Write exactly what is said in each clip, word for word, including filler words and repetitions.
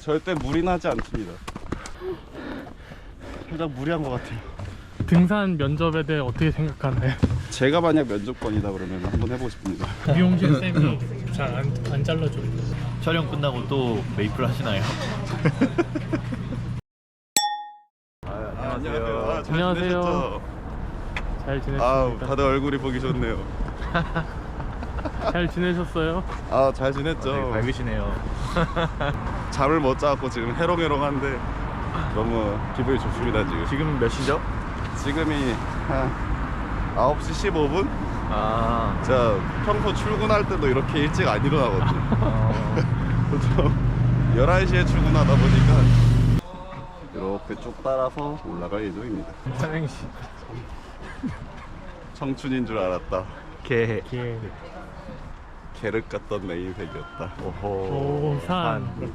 절대 무리나지 않습니다. 살짝 무리한 것 같아요. 등산 면접에 대해 어떻게 생각하나요? 제가 만약 면접관이다 그러면 한번 해보고 싶습니다. 미용실 쌤이 잘 안 안 잘라줘요. 촬영 끝나고 또 메이플 하시나요? 아, 안녕하세요. 아, 잘 안녕하세요. 지내셨죠? 잘 지냈습니다. 아우, 다들 얼굴이 보기 좋네요. 잘 지내셨어요? 아, 잘 지냈죠? 네, 밝으시네요. 잠을 못 자고 지금 해롱해롱한데 너무 기분이 좋습니다. 지금 지금 몇 시죠? 지금이 한 아홉 시 십오 분? 아, 제가 평소 출근할 때도 이렇게 일찍 안 일어나거든요. 보통 열한 시에 출근하다 보니까 이렇게 쭉 따라서 올라갈 예정입니다. 삼행시. 청춘인 줄 알았다. 개. 개. 계륵 같던 내 인생이었다. 오호. 오산.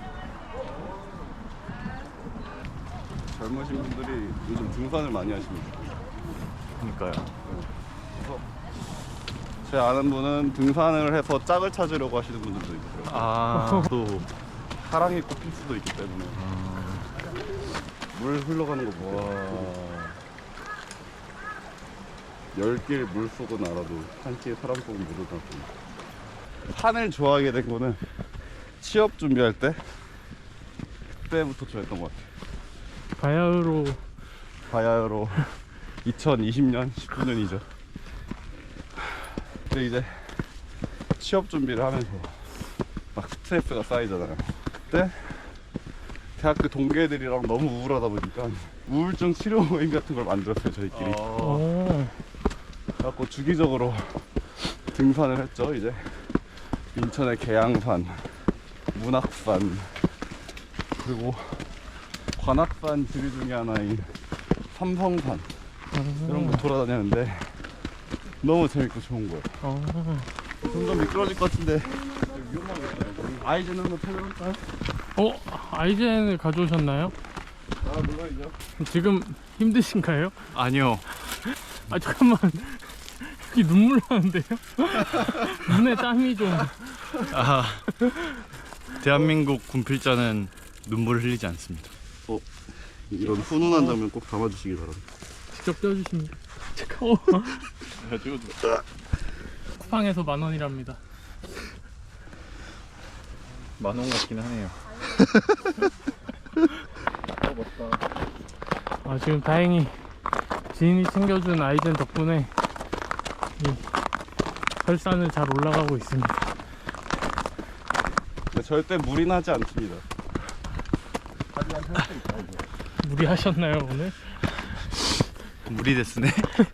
젊으신 분들이 요즘 등산을 많이 하십니다. 그러니까요. 그래서 제 아는 분은 등산을 해서 짝을 찾으려고 하시는 분들도 있고요. 아, 또 사랑이 꼽힐 수도 있기 때문에 물 흘러가는 거 보세요. 열 길 물속은 알아도 한 길 사람 속은 모르다. 산을 좋아하게 된 거는 취업 준비할 때 그때부터 좋아했던 것 같아요. 바야흐로 바야흐로 이천이십 년 십구 년이죠. 근데 이제 취업 준비를 하면서 막 스트레스가 쌓이잖아요. 그때 대학교 동기들이랑 너무 우울하다 보니까 우울증 치료 모임 같은 걸 만들었어요, 저희끼리. 오. 그래갖고 주기적으로 등산을 했죠. 이제 인천의 계양산, 문학산, 그리고 관악산 지리 중에 하나인 삼성산 이런 거 돌아다녔는데 너무 재밌고 좋은 거예요. 어. 점점 미끄러질 것 같은데 위험하겠어요. 아이젠 한번 타볼까요? 어, 아이젠을 가져오셨나요? 아, 물론이죠. 지금 힘드신가요? 아니요. 아 잠깐만. 여기 눈물 나는데요? 눈에 땀이 좀. 아, 대한민국 군필자는 눈물을 흘리지 않습니다. 어, 이런 훈훈한 장면 꼭 담아주시기 바랍니다. 직접 떼어주십니다. 잠깐. 어. 쿠팡에서 만 원이랍니다. 만 원 같긴 하네요. 아, 지금 다행히 지인이 챙겨준 아이젠 덕분에 이 설산을 잘 올라가고 있습니다. 근데 절대 무리나지 않습니다. 무리하셨나요 오늘? 무리 됐으네.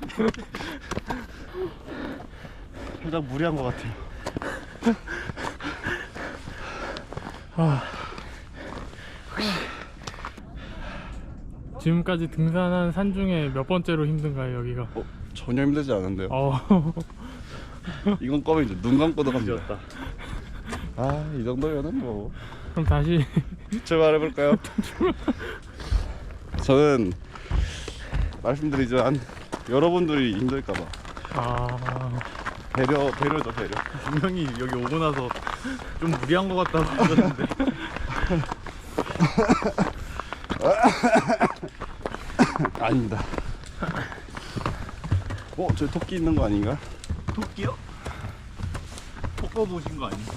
살짝 무리한 것 같아요. 아, 지금까지 등산한 산 중에 몇 번째로 힘든가요 여기가? 어, 전혀 힘들지 않은데요. 어. 이건 껌이 이제 눈 감고도 갑니다. 아, 이 정도면은 뭐 그럼 다시. 출발해볼까요? 저는 말씀드리지만 여러분들이 힘들까봐 아, 배려, 배려죠, 배려. 분명히 여기 오고 나서 좀 무리한 것 같다고 하셨는데. 아닙니다. 어, 저 토끼 있는 거 아닌가? 토끼요? 토끼 보신 거 아니에요?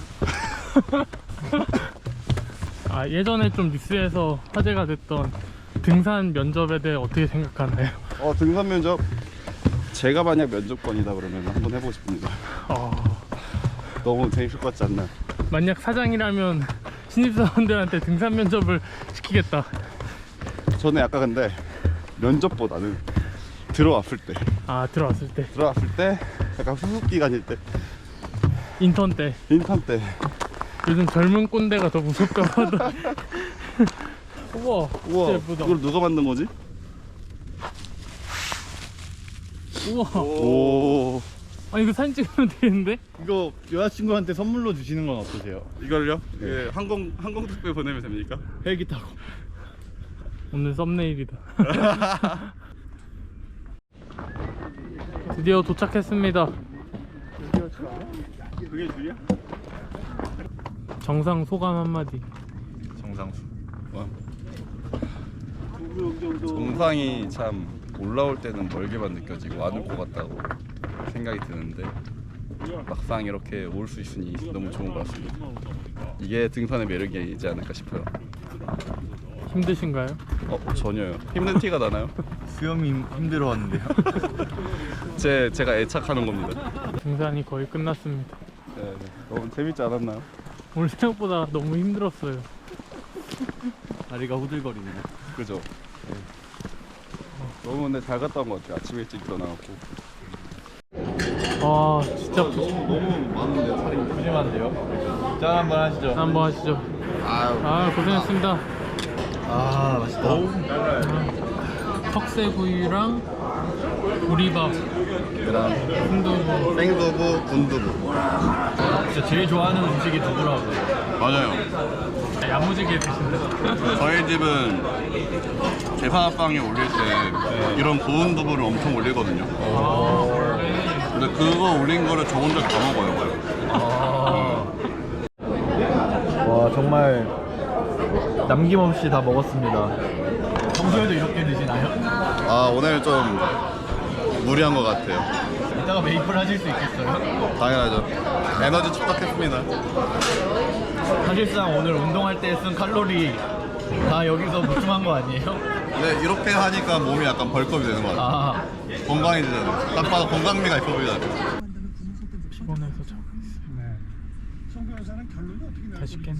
아 예전에 좀 뉴스에서 화제가 됐던 등산 면접에 대해 어떻게 생각하나요? 어, 등산 면접 제가 만약 면접관이다 그러면 한번 해보고 싶습니다. 어, 너무 재밌을 것 같지 않나요? 만약 사장이라면 신입사원들한테 등산 면접을 시키겠다. 저는 약간 근데 면접보다는 들어왔을 때 아, 들어왔을 때 들어왔을 때 약간 후속 기간일 때 인턴 때. 인턴 때 요즘 젊은 꼰대가 더 무섭다고 하더라. 우와, 우와, 진짜 예쁘다. 이걸 누가 만든 거지? 우와. 오, 아, 이거 사진 찍으면 되는데? 이거 여자친구한테 선물로 주시는 건 어떠세요? 이걸요? 예, 항공 항공 특배 보내면 됩니까? 헬기 타고. 오늘 썸네일이다. 드디어 도착했습니다. 그게 줄이야? 정상 소감 한마디. 정상 정상수. 와. 정상이 참 올라올 때는 멀게만 느껴지고 안 올 것 같다고 생각이 드는데 막상 이렇게 올 수 있으니 너무 좋은 것 같습니다. 이게 등산의 매력이지 않을까 싶어요. 힘드신가요? 어 전혀요. 힘든 티가 나나요? 수염이 힘- 힘들어하는데요. 제 제가 애착하는 겁니다. 등산이 거의 끝났습니다. 네, 네. 너무 재밌지 않았나요? 오늘 생각보다 너무 힘들었어요. 다리가 후들거리네요. 그죠? 네. 너무 근데 잘 갔다 온 것 같아요. 아침 일찍 일어나갖고. 와 진짜 푸- 너무 많은데 살이. 푸짐한데요? 짠 한번 하시죠. 한번 하시죠. 아유. 아 고생했습니다. 아 맛있다. 턱새구이랑 보리밥, 그다음 순두부. 생두부, 군두부. 진짜 제일 좋아하는 음식이 두부라고요. 맞아요. 야무지게 드신다. 저희 집은 제사빵에 올릴 때 이런 고운 두부를 엄청 올리거든요. 아 원래 근데 그거 올린 거를 저 혼자 다 먹어요. 와 정말 남김없이 다 먹었습니다. 평소에도 이렇게 드시나요? 아 오늘 좀 무리한 것 같아요. 이따가 메이플 하실 수 있겠어요? 당연하죠. 에너지 축적했습니다. 사실상 오늘 운동할 때 쓴 칼로리 다 여기서 보충한 거 아니에요? 근데 이렇게 하니까 몸이 약간 벌컥이 되는 것 같아요. 아 건강해지잖아요. 딱 봐도 건강미가 있어 보이잖아요. 피곤해서 자고 있어요. 다시 깼네.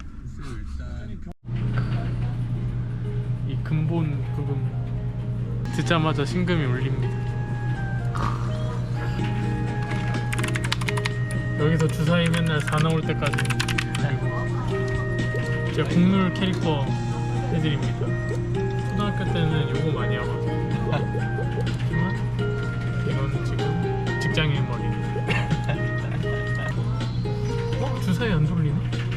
이 근본 부분 듣자마자 심금이 울립니다. 여기서 주사위 맨날 사 나올 때까지 그리고 제가 국룰 캐릭터 해드립니다. 초등학교 때는 요거 많이 하거든요. 하지만 이거는 지금 직장인 머리. 어? 주사위 안 돌리네?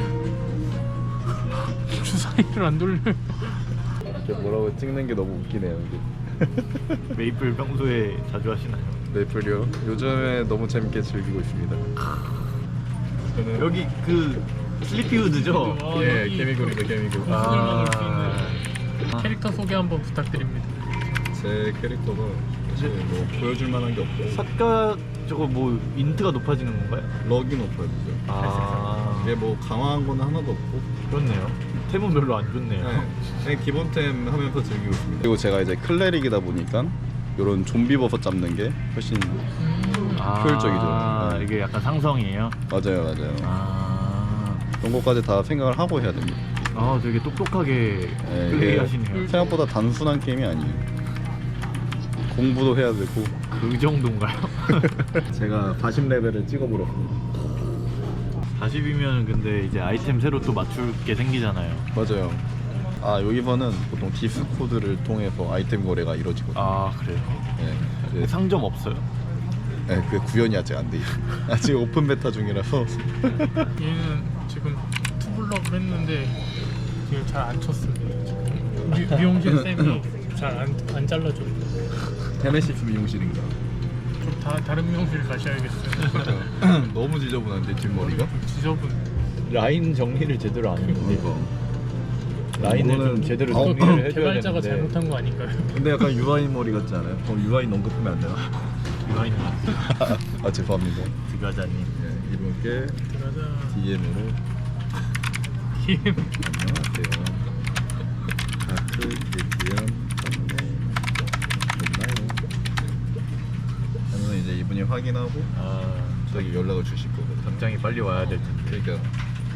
주사위를 안 돌려요. 뭐라고 찍는 게 너무 웃기네요. 메이플 평소에 자주 하시나요? 메이플이요? 요즘에 너무 재밌게 즐기고 있습니다. 여기 그 슬리피우드죠? 아, 예, 여기 개미굴이다, 개미굴. 고수들만 올 수 아. 있는 캐릭터 소개 한번 부탁드립니다. 제 캐릭터가 사실 뭐 보여줄 만한 게 없고 삭가 저거 뭐 인트가 높아지는 건가요? 럭이 높아야 되죠. 아 이게 뭐 강화한 거는 하나도 없고 그렇네요. 템은 별로 안 좋네요. 네, 그냥 기본템 하면서 즐기고 있습니다. 그리고 제가 이제 클레릭이다 보니까 이런 좀비 버섯 잡는 게 훨씬 효율적이죠. 아 네. 이게 약간 상성이에요? 맞아요, 맞아요. 아, 그런 것까지 다 생각을 하고 해야 됩니다. 아 되게 똑똑하게 네, 플레이 이게 하시네요. 생각보다 단순한 게임이 아니에요. 공부도 해야 되고. 그 정도인가요? 제가 사십 레벨을 찍어버렸습니다. 사십이면 근데 이제 아이템 새로 또 맞출 게 생기잖아요. 맞아요. 아 여기서는 보통 디스코드를 통해서 아이템 거래가 이루어지거든요. 아 그래요? 네, 이제 상점 없어요? 네, 그 구현이 아직 안 돼요. 아직 오픈 베타 중이라서. 얘는 지금 투블럭을 했는데 지금 잘 안 쳤습니다. 지금 미, 미용실 쌤이 잘 안 안 잘라줘요. 테네시스 미용실인가? 좀 다, 다른 미용실 가셔야겠어요. 너무 지저분한데 뒷머리가? 지저분. 라인 정리를 제대로 안 했는데 라인을 이거는- 좀 제대로 어, 정리를 해줘야 개발자가 되는데 잘못한 거 아닌가요? 근데 약간 유아인 머리 같지 않아요? 그럼 유아인 언급하면 안 되나? 라인을 아 죄송합니다. 드가자님 네, 이분께 들어가자. 디엠으로 김. 안녕하세요. 하트 디엠 선물 됐나요? 하면 이제 이분이 확인하고 아 저기 연락을 주실 거거든요. 당장이 빨리 와야 될 텐데. 그러니까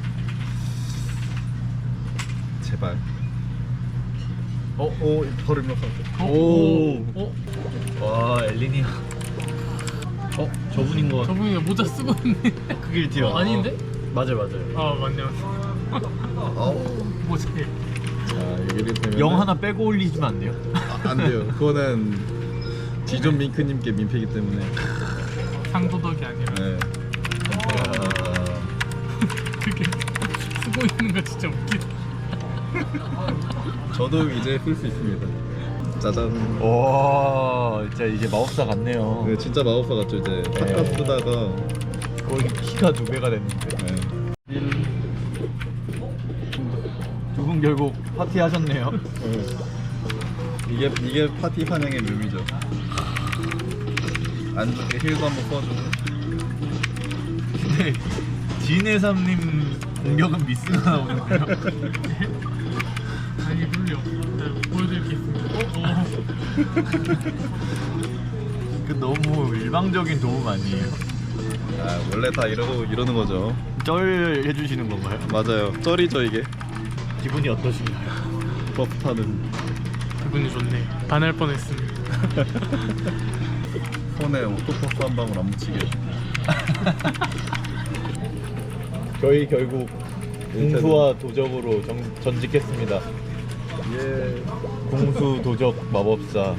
제발. 어, 오, 벌을 몇 번. 오. 어? 와 엘리니아 어? 저분인 거 같아. 저분이 모자 쓰고 있네. 그길 티어 어, 아닌데? 맞아요 맞아요. 아 맞네 맞네. 아우. 모자에. 자, 여기를 되면 영 하나 빼고 올리시면 안 돼요? 아, 안 돼요. 그거는 디존 밍크님께 민폐이기 때문에. 상도덕이 아니라 네. 아, 그게 쓰고 있는 거 진짜 웃기다. 저도 이제 쓸 수 있습니다. 짜잔. 와 진짜 이제 마법사 같네요. 네, 진짜 마법사 같죠 이제. 탁가 쓰다가 거의 키가 두 배가 됐는데. 네. 두 분 결국 파티 하셨네요. 이게 이게 파티 환영의 묘미죠. 안 좋게 힐도 한번 써주고. 근데 진해삼님 공격은 미스가 나오는 거예요. 아니 룰이 없어. 보여드리겠습니다. 어, 그 너무 일방적인 도움 아니에요? 아 원래 다 이러고 이러는 거죠. 쩔 해주시는 건가요? 맞아요. 쩔이죠 이게. 기분이 어떠신가요? 버프 타는 기분이 좋네. 반할 뻔했습니다. 손에 오토퍼프 한 방울 안 묻히게. 저희 결국 궁수와 도적으로 정, 전직했습니다. 예. 궁수 도적 마법사.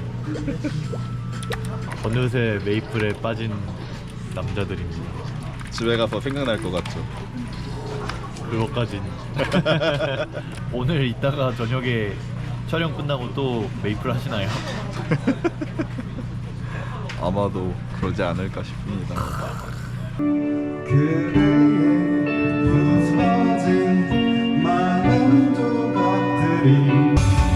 어느새 메이플에 빠진 남자들입니다. 집에 가서 생각날 것 같죠. 그것까진. 오늘 이따가 저녁에 촬영 끝나고 또 메이플 하시나요? 아마도 그러지 않을까 싶습니다. 부서진 많은 조각들이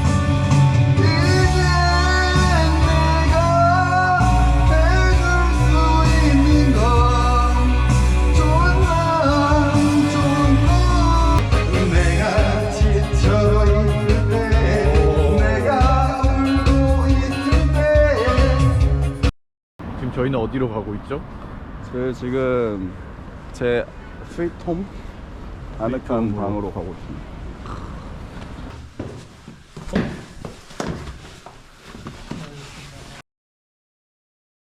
지금 저희는 어디로 가고 있죠? 저 지금 제 스위트홈 아늑한 방으로 가고 있습니다.